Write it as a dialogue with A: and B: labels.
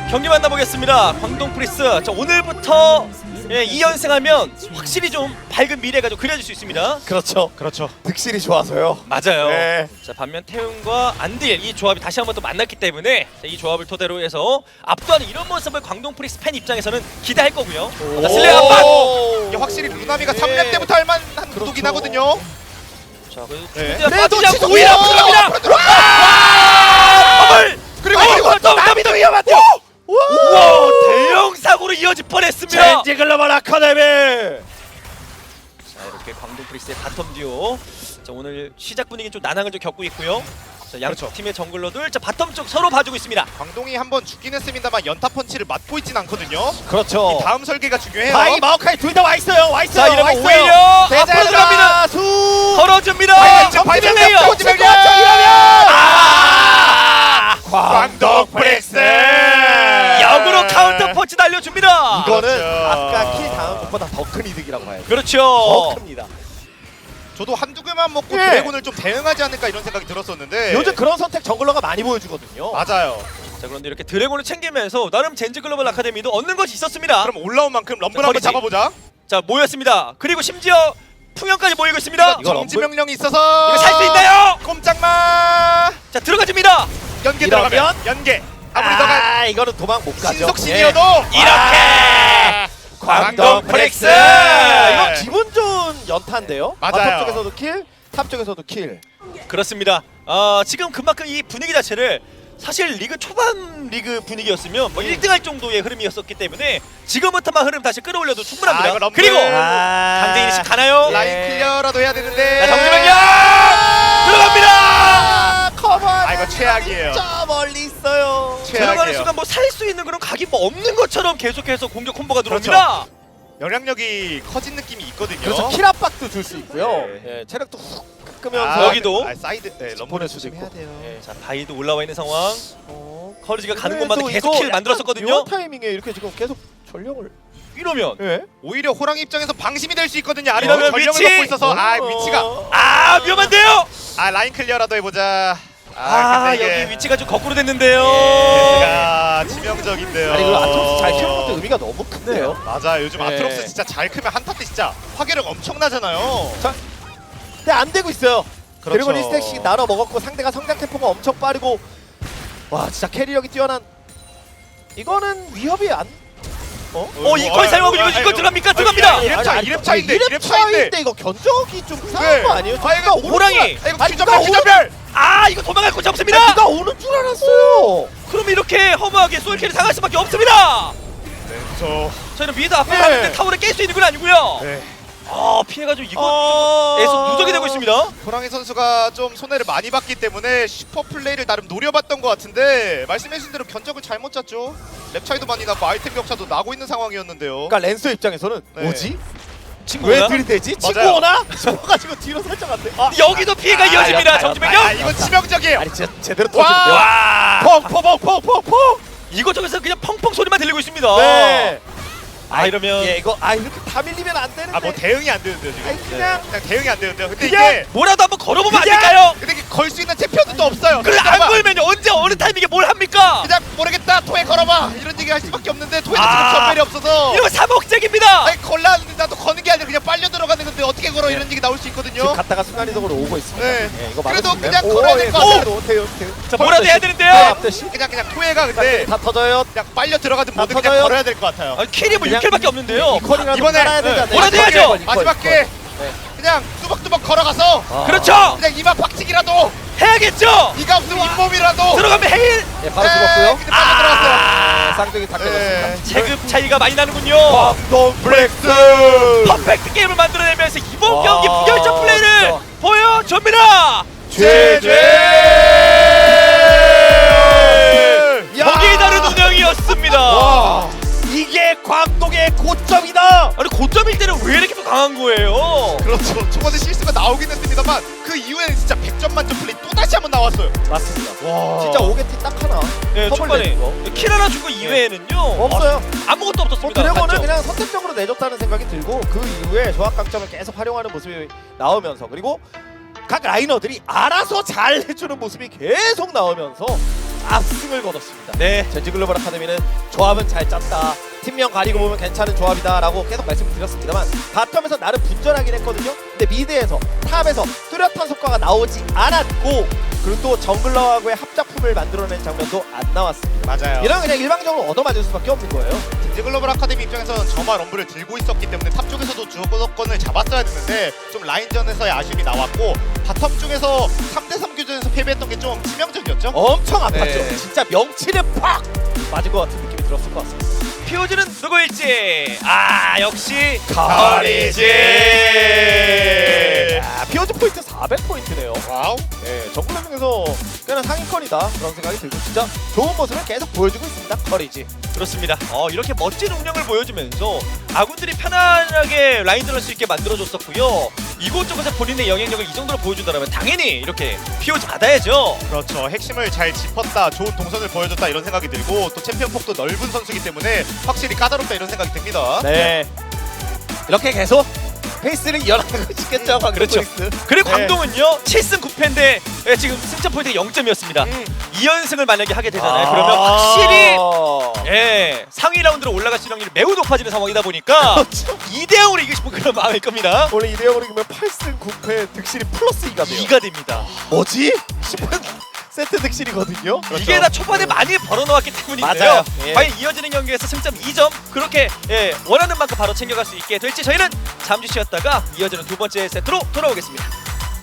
A: 경기 만나보겠습니다. 광동 프리스. 자, 오늘부터 2연승하면 확실히 좀 밝은 미래가 좀 그려질 수 있습니다.
B: 그렇죠. 득실이 좋아서요.
A: 맞아요.
B: 네.
A: 자, 반면 태훈과 안딜 이 조합이 다시 한번 또 만났기 때문에 자, 이 조합을 토대로 해서 압도하는 이런 모습을 광동 프리스 팬 입장에서는 기대할 거고요. 자, 슬레이 한 번.
C: 이게 확실히 루나미가 3렙 때부터 할 만한 구도긴 하거든요.
A: 자, 그래도
C: 네.
A: 빠지지
C: 그래도
A: 않고 오히려 앞으로 갑니다. 더블.
C: 그리고
A: 또 남이도 위험한데요. 우와, 대형 사고로 이어질 뻔했습니다.
B: 젠지 글로벌 아카데미.
A: 자, 이렇게 광동 프리스의 바텀 듀오. 자, 오늘 시작 분위기 좀 난항을 좀 겪고 있고요. 자, 양쪽
C: 그렇죠.
A: 팀의 정글러들 자, 바텀 쪽 서로 봐주고 있습니다.
C: 광동이 한번 죽긴 했습니다만 연타 펀치를 맞고 있진 않거든요.
B: 그렇죠.
C: 다음 설계가 중요해요.
B: 바이 마오카이 둘 다 와 있어요. 와 있어요.
A: 자, 이러면
B: 와 있어요.
A: 오히려 앞으로 들어갑니다.
B: 수.
A: 털어줍니다.
C: 바이
A: 플레이어.
B: 광동 프렉스.
A: 역으로 카운터 펀치 날려줍니다.
B: 이거는
C: 그렇죠.
B: 아까 킬 당한 것보다 더 큰 이득이라고 봐요. 더
A: 그렇죠.
B: 큽니다.
C: 저도 한두 개만 먹고
B: 예.
C: 드래곤을 좀 대응하지 않을까 이런 생각이 들었었는데
B: 요즘 그런 선택 정글러가 많이 보여주거든요.
C: 맞아요.
A: 자, 그런데 이렇게 드래곤을 챙기면서 나름 젠지 글로벌 아카데미도 얻는 것이 있었습니다.
C: 그럼 올라온 만큼 럼블
A: 자,
C: 한번
A: 거리지.
C: 잡아보자.
A: 자, 모였습니다. 그리고 심지어 풍년까지 모이고 있습니다.
B: 이거
C: 정지 명령이 있어서
A: 이거 살 수 있나요?
C: 꼼짝마.
A: 자, 들어가줍니다.
C: 연계
B: 이러면?
C: 들어가면 연계. 아무리 너가
B: 이거는 도망 못 가죠.
C: 신속신이어도
A: 이렇게
B: 광동
A: 프렉스!
B: 이거 기분 좋은 연타인데요.
C: 맞아요.
B: 바텀 쪽에서도 킬, 탑 쪽에서도 킬.
A: 그렇습니다. 지금 그만큼 이 분위기 자체를 사실 리그 초반 리그 분위기였으면 뭐 1등할 정도의 흐름이었었기 때문에 지금부터만 흐름 다시 끌어올려도 충분합니다.
C: 이거 럼블.
A: 그리고 강대인이 가나요?
C: 라인
B: 예.
C: 클리어라도 해야 되는데.
A: 자, 정지명령 들어갑니다.
B: 커버.
C: 이거 최악이에요.
B: 저 멀리 있어요.
A: 들어가는
C: 최악이에요.
A: 순간 뭐 살 수 있는 그런 각이 뭐 없는 것처럼 계속해서 공격 콤보가 들어옵니다.
C: 영향력이 커진 느낌이 있거든요.
B: 그래서 킬 압박도 줄 수 있고요.
C: 네.
B: 예, 체력도 훅 깎으면서
A: 여기도.
C: 사이드 럼블
B: 보낼 수도
C: 조심해야
B: 있고.
C: 돼요.
B: 예.
A: 자, 바이도 올라와 있는 상황. 커리지가 가는
B: 그래도
A: 곳마다 계속
B: 이거
A: 킬 만들었었거든요.
B: 묘한 타이밍에 이렇게 지금 계속 전령을.
A: 이러면
B: 예.
C: 오히려 호랑이 입장에서 방심이 될 수 있거든요. 아래로
A: 이러면
C: 전령을
A: 위치!
C: 먹고 있어서 위치가
A: 위험한데요.
C: 라인 클리어라도 해보자.
A: 여기
C: 근데
A: 위치가 좀 거꾸로 됐는데요.
C: 이게 치명적인데요.
B: 아니 그리고 아트록스 잘 키우는 것도 의미가 너무 큰데요.
C: 맞아 요즘
B: 네.
C: 아트록스 진짜 잘 크면 한타 때 진짜 파괴력 엄청나잖아요.
B: 근데 안 되고 있어요.
C: 그렇죠.
B: 드래곤 1스택씩 나눠 먹었고 상대가 성장 템포가 엄청 빠르고 와 진짜 캐리력이 뛰어난 이거는 위협이 안
A: 이퀄 사용하고 이거 들어갑니까? 들어갑니다.
C: 이랩 차인데
B: 이랩 차인데 이거 견적이 좀 이상한 거 아니에요?
C: 이거
A: 호랑이.
C: 이거 규정별.
A: 이거 도망갈 곳이 없습니다.
B: 누가 오는 줄 알았어요.
A: 그럼 이렇게 허무하게 솔킬을 당할 수밖에 없습니다.
C: 네, 그렇죠.
A: 저희는 위에도 앞으로
B: 네.
A: 가는데 타워를 깰 수 있는 건 아니고요.
C: 네.
A: 피해가지고 이거 에서 누적이 되고 있습니다.
C: 호랑이 선수가 좀 손해를 많이 봤기 때문에 슈퍼 플레이를 나름 노려봤던 것 같은데 말씀해주신 대로 견적을 잘못 짰죠. 랩 차이도 많이 나고 아이템 격차도 나고 있는 상황이었는데요.
B: 그러니까 랜서 입장에서는
C: 네.
B: 뭐지?
A: 친구
B: 왜 들이대지? 친구
C: 맞아요.
B: 오나? 싶어가지고 뒤로 살짝 안 돼.
A: 여기도 피해가 이어집니다. 정지명령.
C: 이건 치명적이에요.
B: 아니 진짜 제대로
C: 와!
B: 터지는데요. 펑펑펑펑펑펑.
A: 이것저것에서 그냥 펑펑 소리만 들리고 있습니다.
B: 네.
A: 이러면
B: 예 이거 이렇게 다 밀리면 안 되는데.
C: 뭐 대응이 안 되는데요 지금.
B: 아니, 그냥
C: 대응이 안 되는데요. 근데
B: 그냥
C: 이게
A: 뭐라도 한번 걸어보면 안
B: 그냥-
A: 될까요?
C: 근데 이게 걸 수 있는 챔피언도 없어요.
A: 그래 안 걸면요 언제 어느 타이밍에 뭘 합니까?
C: 그냥 모르겠다 토에 걸어봐 이런 얘기 할 수밖에 없는데 토에는
A: 아.
C: 지금 전멸이 없어서
A: 이러면 사목적입니다.
C: 아니 걸라는데 나도 거는 게 아니라 그냥 빨려 들어가는 건데 어떻게 걸어 이런 얘기 나올 수
B: 지금
C: 있거든요.
B: 갔다가 순간이동으로 오고 있습니다.
C: 네.
B: 예, 이거
C: 그래도
B: 막을 수
C: 그냥
B: 있나요?
C: 걸어야 될것 같아요.
B: 대요.
A: 자 뭐라도 해야 되는데요.
B: 앞대시
C: 그냥 토에가 근데
B: 다 터져요.
C: 그냥 빨려 들어가든
B: 다
C: 뭐든 그냥
B: 터져요.
C: 걸어야 될 것 같아요.
A: 킬이 뭐
B: 그냥
A: 6킬밖에 없는데요.
B: 이퀄이라도
C: 이번에
B: 깔아야 되지 않나요?
A: 뭐라도 해야죠.
B: 이퀄, 이퀄,
C: 마지막
B: 이퀄.
C: 게
B: 네.
C: 그냥 뚜벅뚜벅 걸어가서
A: 그렇죠.
C: 그냥 이마 박치기라도
A: 해야겠죠.
C: 이가 없으면 잇몸이라도
A: 들어가면 헤일.
B: 예, 바로 죽었고요.
C: 근데 빨려 들어갔어요.
B: 네, 쌍둥이 다
C: 네.
B: 깨졌습니다.
A: 체급 차이가 많이 나는군요.
B: 광동 브렉스.
A: 퍼펙트 게임을 만들어내면서 이번
B: 와,
A: 경기 부결점 플레이를
B: 진짜.
A: 보여줍니다. 보기 다른 운영이었습니다.
B: 와, 이게 광동의 고점이다.
A: 아니 고점일 때는 왜 이렇게 또 강한 거예요?
C: 그렇죠. 초반에 실수가 나오긴 했습니다만 그 이후에는 진짜 100점 만점 플레이 또 다시 한번 나왔어요.
B: 맞습니다.
C: 와.
B: 진짜 오게티 딱 하나.
A: 네,
B: 선물
A: 초반에
B: 내준 거.
A: 킬 하나 준 거 이외에는요
B: 없어요.
A: 아무것도 없었습니다.
B: 드래곤은
A: 맞죠?
B: 그냥 선택적으로 내줬다는 생각이 들고 그 이후에 조합 강점을 계속 활용하는 모습이 나오면서 그리고 각 라이너들이 알아서 잘 해주는 모습이 계속 나오면서 압승을 거뒀습니다.
A: 네.
B: 젠지 글로벌 아카데미는 조합은 잘 짰다. 팀명 가리고 보면 괜찮은 조합이다라고 계속 말씀드렸습니다만 바텀에서 나름 분전하긴 했거든요. 근데 미드에서 탑에서 뚜렷한 성과가 나오지 않았고 그리고 또 정글러하고의 합작품을 만들어낸 장면도 안 나왔습니다.
C: 맞아요.
B: 이런 그냥 일방적으로 얻어맞을 수밖에 없는 거예요.
C: 젠지 글로벌 아카데미 입장에서는 점화 럼블을 들고 있었기 때문에 탑 쪽에서도 주도권을 잡았어야 됐는데 좀 라인전에서의 아쉬움이 나왔고 바텀 쪽에서 3대3 교전에서 패배했던 게 좀 치명적이었죠?
B: 엄청 아팠죠.
C: 네.
B: 진짜 명치를 팍 맞은 것 같은 느낌이 들었을 것 같습니다.
A: 피오즈는 누구일지 역시
B: 커리지.
A: 커리지.
B: 피오즈 포인트 400포인트네요.
C: 와우.
B: 네, 정글 중에서 꽤나 상위권이다 그런 생각이 들고 진짜 좋은 모습을 계속 보여주고 있습니다. 커리지.
A: 그렇습니다. 이렇게 멋진 운영을 보여주면서 아군들이 편안하게 라인전을 할 수 있게 만들어줬었고요. 이곳저곳에 본인의 영향력을 이 정도로 보여준다면 당연히 이렇게 피오즈 받아야죠.
C: 그렇죠. 핵심을 잘 짚었다, 좋은 동선을 보여줬다 이런 생각이 들고 또 챔피언 폭도 넓은 선수이기 때문에 확실히 까다롭다 이런 생각이 듭니다.
B: 네. 이렇게 계속 페이스를 이어나가고 싶겠죠.
A: 그렇죠.
B: 페이스.
A: 그리고
C: 네.
A: 광동은요 7승 9패인데 지금 승점 포인트가 0점이었습니다. 2연승을 만약에 하게 되잖아요.
B: 아.
A: 그러면 확실히 상위 라운드로 올라갈 실력률이 매우 높아지는 상황이다 보니까
B: 그렇죠.
A: 2대0으로 이기고 싶은 그런 마음일 겁니다.
B: 원래 2대0으로 이기면 8승 9패 득실이 플러스 2가 돼요.
A: 2가 됩니다.
B: 뭐지? 10분 세트 득실이거든요.
A: 이게 다 초반에 많이 벌어놓았기 때문인데요.
B: 맞아요. 예.
A: 과연 이어지는 경기에서 승점 2점 그렇게 원하는 만큼 바로 챙겨갈 수 있게 될지 저희는 잠시 쉬었다가 이어지는 두 번째 세트로 돌아오겠습니다.